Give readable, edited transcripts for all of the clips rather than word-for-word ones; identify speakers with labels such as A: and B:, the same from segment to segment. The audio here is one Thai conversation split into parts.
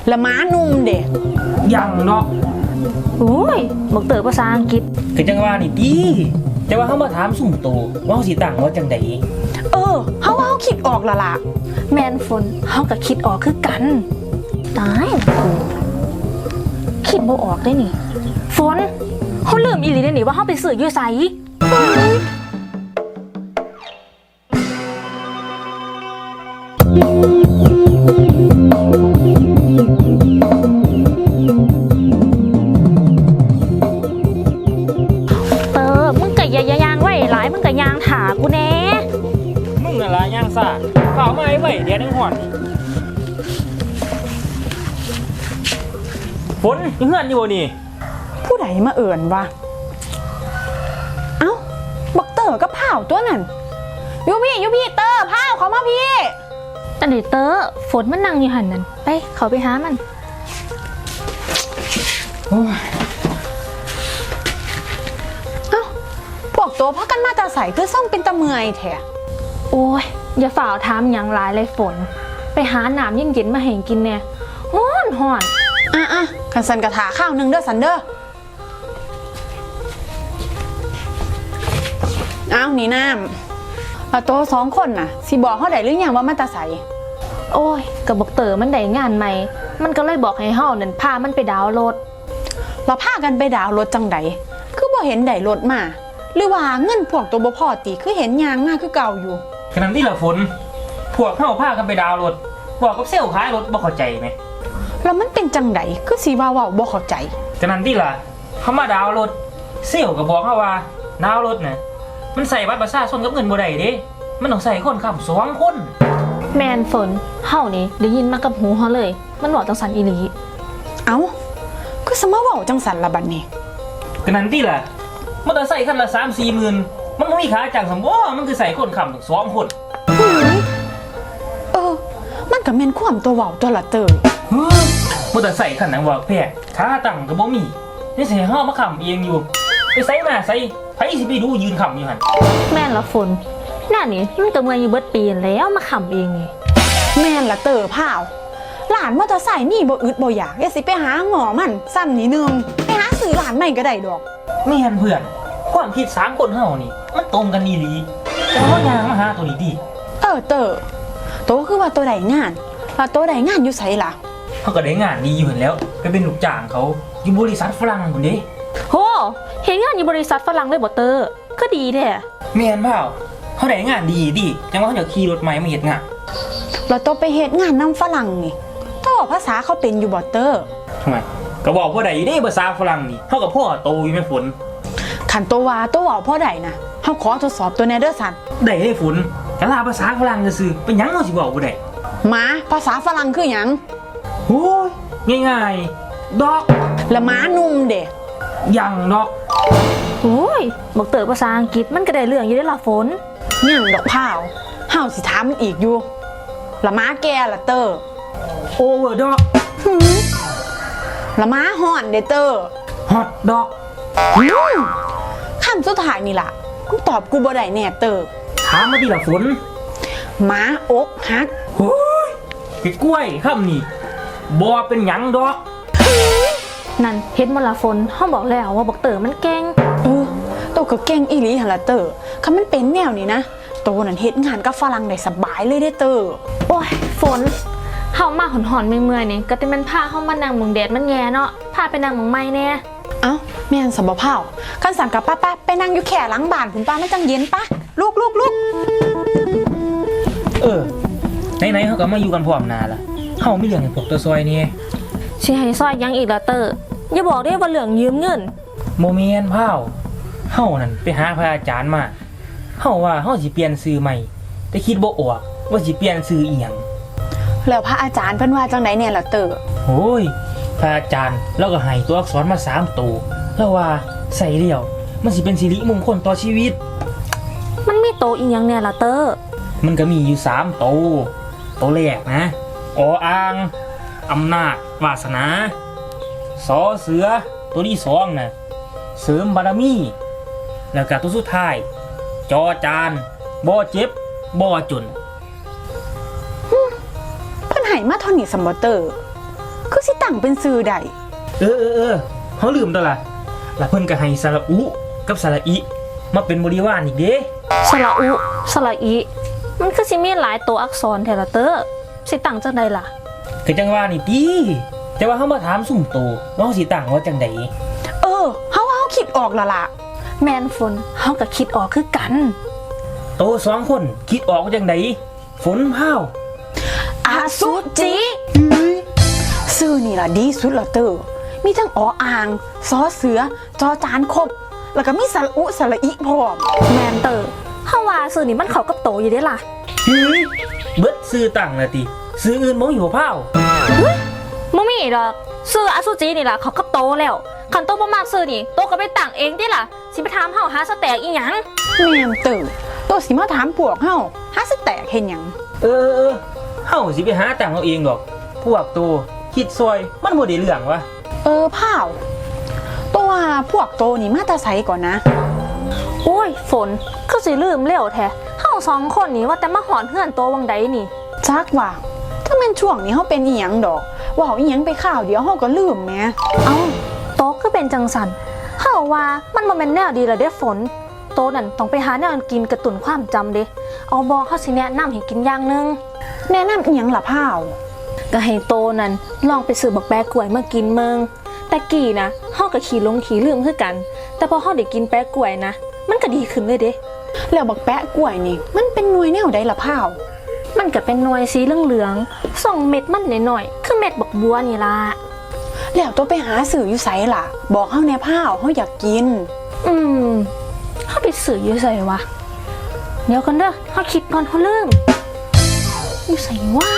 A: ละม้านุ่มเด็ก
B: ยังเนาะ
C: โอ้ยบอกเต๋อภาษาอังกฤษ
B: คือจังว่านี่ดีแต่ว่าเขามาถามสุ่มโตว่าเขาสิตั้งว่าจังใด
A: เฮาคิดออกและล่ะ
C: แมนฝนเฮาก็คิดออกคือกันตายกูคิดบ่ออกได้นี่ฝนเฮาลืมอีหลีได้นี่ว่าเฮาไปซื้ออยู่ไสมึงก็อย่ายางไว้หลายมึงก็ยางถากูแน่
B: มึงน่ะล่ะย่างซ่าเปล่ามาไว้เดี๋ยวนึงห่อนฝนยังเฮือนอยู่บ่นี่
A: ผู้ใดมาเอิ่นวะเอ้าบักเต๋อก็เผาตัวนั่นยูพี่เต๋อเผาเขามาพี่
C: แต่เดี๋ยวเต๋อฝนมันนั่งอยู่หันนั่นไปเขาไปหามัน
A: พวกโตพักกันมาตาใสคือส่งเป็นตะเมื่อยแท้
C: โอ้ยอย่าฝ่าถามอย่างหลายเลยฝนไปหาน้ำเย็นๆมาให้กินแน่ฮ้อน
A: คันสันกระถาข้าวนึงเด้อสันเด้อเอานี่น้ำโต2 คนน่ะสิบอกเขาได้หรือยังว่ามาตาใส
C: โอ้ยกับบอกเต๋อมันได้งานใหม่มันก็เลยบอกให้เฮานั่นพามันไปดาวน์โหลด
A: เราพากันไปดาวน์รถจังใดคือบ่เห็นได้รถมาหรือว่าเงินพวกตัวบ่พอติคือเห็นยางมากคือเก่าอยู่
B: ขณะที่ละฝนพวกเข้าพากันไปดาวรถบอกกับเซลล์ขายรถบ่เข้าใจไหม
A: แล้วมันเป็นจังใดคือสีว่าบ่เข้าใจ
B: ขณะที่ละเขามาดาวรถเซลล์ก็บอกเขาว่าดาวรถน่ะมันใส่บัตรประชาชนกับเงินบ่ได้เด้มันต้องใส่คนขับ2 คน
C: แมนฝนเฮานี่ได้ยินมากับหูเฮาเลยมันบอกจังสันอีหลี
A: เอ้าคือสมมาเว้าจังสันละบัดนี้
B: ขณะที่ละมอเตอร์ไซค์คันละ 3-4 หมื่นมันไม่มีค่าจ้างสมบ่มันคือใส่คนขับถึง2 คน
A: มันก็แม่นความตัวเว้าตัวละเตอ
B: มอเตอร์ไซค์คันนั้นว่าแพงค่าตั้งก็บ่มีนี่สิให้เฮามาขับเองอยู่ไปใส่มาใส่ไผสิไปดูยืนขับอยู่หั่น
C: แม่นละฝนหน้านี่มันก็เมื่อยอยู่เบิดปีแล้วมาขับเองนี่
A: แม่นละเตอพาวหลานมอเตอร์ไซค์นี่บ่อึดบ่อยากอย่าสิไปหาหงอมันซ้ำนิดนึงไปหาซื้อหลานใหม่ก็ได้ดอก
B: แม่นเพื่อนความคิด3 คนเฮานี่มันตรงกันอีหลีแต่เฮายางมาหาตัวนี้ดิ
A: เตอโตคือว่าตัวใดงานแล้วตัวใดงานอยู่ไสล่ะ
B: เฮาก็ได้งานดีอยู่หั่นแล้วไปเป็นลูกจ้างเขาอยู่บริษัทฝรั่งพุ่นเด้
C: โหเฮ็ดงานอยู่บริษัทฝรั่งเลยบ่เตอก็ดีแท้
B: แม่นเปล่าเฮาได้งานดีดิจังว่าเฮาจะขี่รถใหม่มาเฮ็ดงาน
A: แล้วโตไปเฮ็ดงานนำฝรั่งนี่โตภาษาเขาเป็นอยู่บ่เตอ
B: ทำไมก็บอกบ่ได้อยู่เด้ภาษาฝรั่งนี่เฮาก็พ่อโตอยู่แม่ฝน
A: คันโตว่าโตเว้าพอได้นะเฮาขอทดสอบตัวแน่เด้อสัน
B: ได้เด้ฝนแต่ว่าภาษาฝรั่งซื่อเป็นหยังเฮาสิเว้าบ่ได้
A: ม้าภาษาฝรั่งคือหยัง
B: โอ้ยง่ายๆดอก
A: ละม้านุ่มเด้
B: ยังดอก
C: โอ้ยบอกเต๋อภาษาอังกฤษมันก็ได้เรื่องอยู่ได้ล่ะฝน
A: ยังดอกพาวเฮาสิถามมันอีกอยู่ละม้าแก่ละเตอ
B: โอเวอร์ดอก
A: ละม้าฮ้อนเด้เตอ
B: ฮอตดอก
A: คำสุดท้ายนี่ล่ะกูตอบกูบ่ได้แน่เตอ
B: ถามมาดิล่ะฝน
A: ม้าอกหัก
B: โอ้ยไอ้กล้วยคำนี่บ่เป็นหยังดอก
C: นั่นเฮ็ดบ่ล่ะฝนเฮาบอกแล้วว่าบอกเต๋อมันเก่ง
A: โตก็เก่งอีหลีหั่นล่ะเตอคันมันเป็นแนวนี้นะโตนั่นเฮ็ดงานกับฝรั่งได้สบายเลยเด้เตอ
C: โอ้ยฝนเฮามาหอนๆเมื่อยๆนี่ก็แต่มันพาเฮามานั่งหม่องแดดมันแย่เนาะพาไปนั่งหม่องใหม่แน่
A: เอ้าแม่นสบ่พาวคันสั่งกับป้าไปนั่งอยู่แค่หลังบ้านพุ่นป้ามันจังเย็นปะลูก
B: ไหนๆเฮาก็มาอยู่กันพร้อมหน้าล่ะเฮามีเรื่องให้พวกตัวซอยนี่
C: สิให้ซอยยังอีกล่ะเตออย่าบอกได้ว่าเรื่องยืมเงิน
B: บ่แม่นพาวเฮานั่นไปหาพระอาจารย์มาเฮาว่าเฮาสิเปลี่ยนชื่อใหม่แต่คิดบ่ออกว่าสิเปลี่ยนชื่ออีหยัง
A: แล้วพระอาจารย์เพิ่นว่าจังได๋แน่ล่ะเตอ
B: โอ้ยพระอาจารย์เราก็ให้ตัวอักษรมา3 ตัวแล้วว่าใส่แล้วมันสิเป็นสิริมงคลต่อชีวิต
C: มันมีโตอีหยังแน่ล่ะเตอ
B: มันก็มีอยู่3 ตัวแรกนะออ่างอำนาจวาสนาสอเสือตัวที่2น่ะเสริมบารมีแล้วก็ตัวสุดท้ายจอจานบ่เจ็บบ่จน
A: เพิ่นให้มาเท่านี้ซัมบ่เตอคือสิตั้งเป็นซื้อใด
B: เออเขาลืมตัวละแล้วเพิ่นก็ให้สระอุกับสระอิมาเป็นบริวารอีกเด้
C: สระอุสระอีมันคือสิมีหลายตัวอักษรแท้ละเตอสิตั้งจังใดล่ะ
B: คือจังว่านี่ติแต่ว่าเขามาถามสุ่มโตว่าเขาสิตั้งว่าจังใด
A: เออเฮาว่าเฮาคิดออกและล่ะ
C: แมนฝนเฮาก็คิดออกคือกัน
B: โตสองคนคิดออกว่าจังใดฝนพาว
A: อสุจิ ซื้อนี่ล่ะดีสุดละเตอมีทั้งออ่างซอเสือจอจานครบ แล้วก็มีสระอุสระอิพร้อม
C: แมนเตอร์เฮาว่าสื่อนี่มันเข้ากับโตอยู่เด้ล่ะ
B: เฮ้ยเบิดซื้อตั้งละติซื้ออื่นบ่มีหัวพาว
C: บ่มีดอกซื้ออสุจินี่ล่ะเขากับโตแล้วคันโตบ่มากซื้อนี่โตก็ไปตั้งเองติล่ะสิไปถามเฮาหาสแต็กอีหยัง
A: แม่นเตอตัวสิมาถามพวกเฮาหาสิแตกเฮ็ดหยัง
B: เออเฮาสิไปหาตั้งเอาเองดอก พวกโตคิดซอยมันบ่ได้เรื่องวะ
A: พร้าวตัวว่าพวกโตนี่มาแตาไสก่อนนะ
C: โอ้ยฝนคือสิลืมแล้วแท้เฮาสองคนนี่ว่าแต่มาหอนเฮือนโตวังใดนี่
A: จักว่าถ้าแม่นช่วงนี้เฮาเป็นอีหยังดอกเว้าอีหยังไปข่าวเดียวเฮาก็ลืมแหม
C: เอ้าโตคือเป็นจังสันเฮาว่ามันบ่แม่นแนวดีละเด้ฝนโตนั่นต้องไปหาแนวกินกระตุ้นความจำเด้เอาบ่เฮาสิแนะนำให้กินอย่างหนึง
A: แนะนำอีหยังล่ะพร้าว
C: ก็ให้โตนั่นลองไปซื้อบักแปะกล้วยมากินเมืองแต่กี้นะเฮาก็ขี้หลงขี้ลืมคือกัน แต่พอเฮาได้กินแปะกล้วยนะมันก็ดีขึ้นเลยเด้
A: แล้วบักแปะกล้วยนี่มันเป็นหน่วยแนวใดล่ะพร้าว
C: มันก็เป็นหน่วยสีเหลืองๆส่องเม็ดมันน้อยๆคือเม็ดบักบัวนี่ล่ะ
A: แล้วตัวไปหาสื่ออยู่ไสล่ะ บอกเฮาแน่พร้าวเฮาอยากกิน
C: เฮาไปซื้ออยู่ไสวะเดี๋ยวกันเด้อเฮาคิดก่อนเฮาลืมอยู่ไสวะ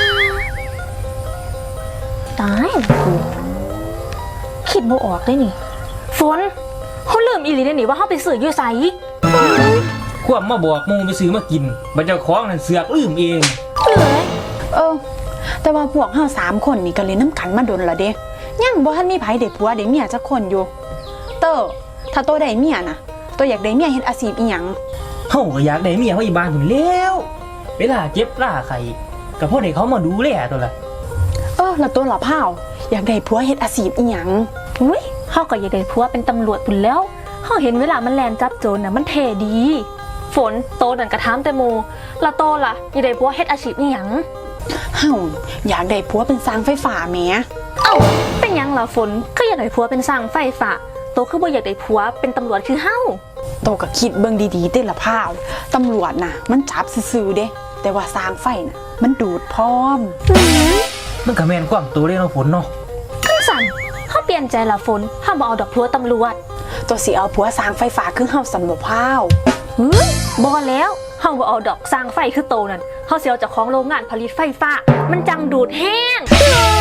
C: ตายแล้วกูคิดบ่ออกเลยนี่ฝนเฮาลืมอีหลีเด้นี่ว่าเฮาไปซื้ออยู่ไส
B: ควบมาบอกหมูไปซื้อมากินบัดเจ้าของนั่นเสือกลืมเอง
C: เอ้ย
A: แต่ว่าพวกเฮา3คนนี่ก็เล่นน้ำกันมาดนละเด้ยังบ่ทันมีไผได้ผัวได้เมียจักคนอยู่เตอถ้าโตได้เมียน่ะโตอยากได้เมียเฮ็ดอาชีพอีหยัง
B: เฮาก็อยากได้เมียเขาอีบ้านพุ่นแล้วเวลาเจ็บล่าไข่ก็พอได้เขามาดูแลตัวละ
A: แล้วตัวละพร้าวอยากได้ผัวเฮ็ดอาชีพอีหยัง
C: อุ้ยเฮาก็อยากได้ผัวเป็นตำรวจพุ่นแล้วเฮาเห็นเวลามันแลนจับโจรน่ะมันเท่ดี ฝนโตนั่นก็ถามแต่หมู่ละโตล่ะอยากได้ผัวเฮ็ดอาชีพอีหยัง
A: เฮาอยากได้ผัวเป็นสร้างไฟฟ้าแหม
C: เอ้าเป็นหยังล่ะฝนก็อยากได้ผัวเป็นสร้างไฟฟ้าโตคือบ่อยากได้ผัวเป็นตำรวจคือเฮา
A: โตก็คิดเบิ่งดีๆเด้ละพร้าวตำรวจน่ะมันจับซื่อๆเด้แต่ว่าสร้างไฟน่ะมันดูดพร้อม
B: มันก็แม่นความตัวเลยเนาะฝนเนาะ
C: คือสั่นเฮาเปลี่ยนใจละฝนเฮาบ่เอาดอกผัวตำรวจ
A: ตัวสิเอาผัวสร้างไฟฟ้าคือเฮาสำหรับพร้าว
C: เฮ้ยบ่แล้วเฮาบ่เอาดอกสร้างไฟคือโตนั่นเฮาสิเอาเจ้าของโรงงานผลิตไฟฟ้ามันจังดูดแห้ง